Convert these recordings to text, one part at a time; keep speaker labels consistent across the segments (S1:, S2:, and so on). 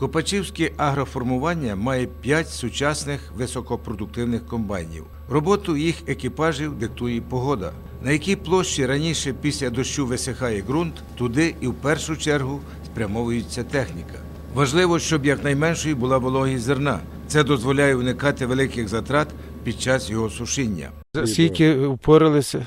S1: Копачівське агроформування має 5 сучасних високопродуктивних комбайнів. Роботу їх екіпажів диктує погода. На якій площі раніше після дощу висихає ґрунт, туди і в першу чергу спрямовується техніка. Важливо, щоб якнайменшою була вологість зерна. Це дозволяє уникати великих затрат під час його сушіння.
S2: Скільки впоралися?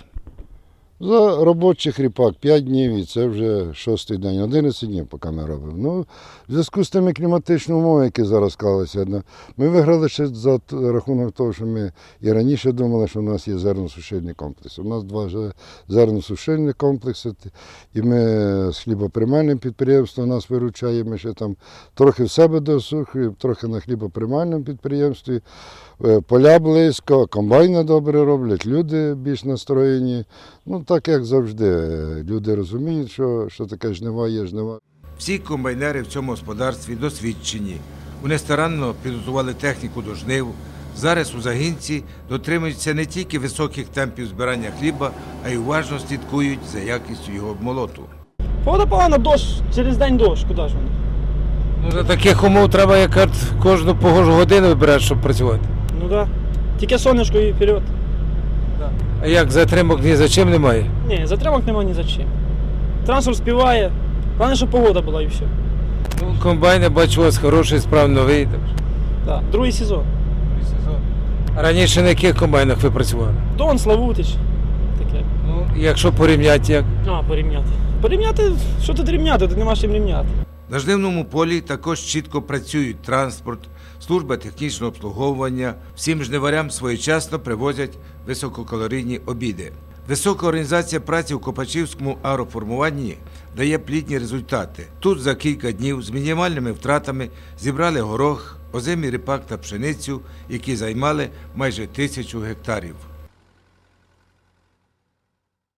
S3: За робочих ріпак 5 днів і це вже 6-й день, 11 днів поки ми робимо. Ну, в зв'язку з тими кліматичними умовами, які зараз склалися, ми виграли ще за рахунок того, що ми і раніше думали, що в нас є зерносушильний комплекс. У нас 2 зерносушильні комплекси, і ми з хлібоприймальним підприємством нас виручає, ми ще там трохи в себе досухуємо, трохи на хлібоприймальному підприємстві. Поля близько, комбайни добре роблять, люди більш настроєні. Ну, так як завжди, люди розуміють, що таке жнива є жнива.
S1: Всі комбайнери в цьому господарстві досвідчені. Вони старанно підготували техніку до жнив. Зараз у загінці дотримуються не тільки високих темпів збирання хліба, а й уважно слідкують за якістю його обмолоту.
S4: Погода погана, дощ, через день дощ, куди ж вони?
S2: Ну, за таких умов треба як кожну погожу годину вибирати, щоб працювати.
S4: Ну так. Да. Тільки сонечко і вперед.
S2: А як затримок ні за чим немає?
S4: Ні, затримок нема ні за чим. Транспорт співає, головне, щоб погода була і все.
S2: Ну, комбайн, я бачу, у вас хороший, справді новий.
S4: Так, другий сезон.
S2: А раніше на яких комбайнах ви працювали?
S4: Дон, Славутич. Таке.
S2: Ну, якщо порівняти, як?
S4: Порівняти. Порівняти, що тут рівняти, тут нема чим рівняти.
S1: На жнивному полі також чітко працюють транспорт, служба технічного обслуговування. Всім жниварям своєчасно привозять висококалорійні обіди. Висока організація праці у Копачівському агроформуванні дає плідні результати. Тут за кілька днів з мінімальними втратами зібрали горох, озимий ріпак та пшеницю, які займали майже 1000 гектарів.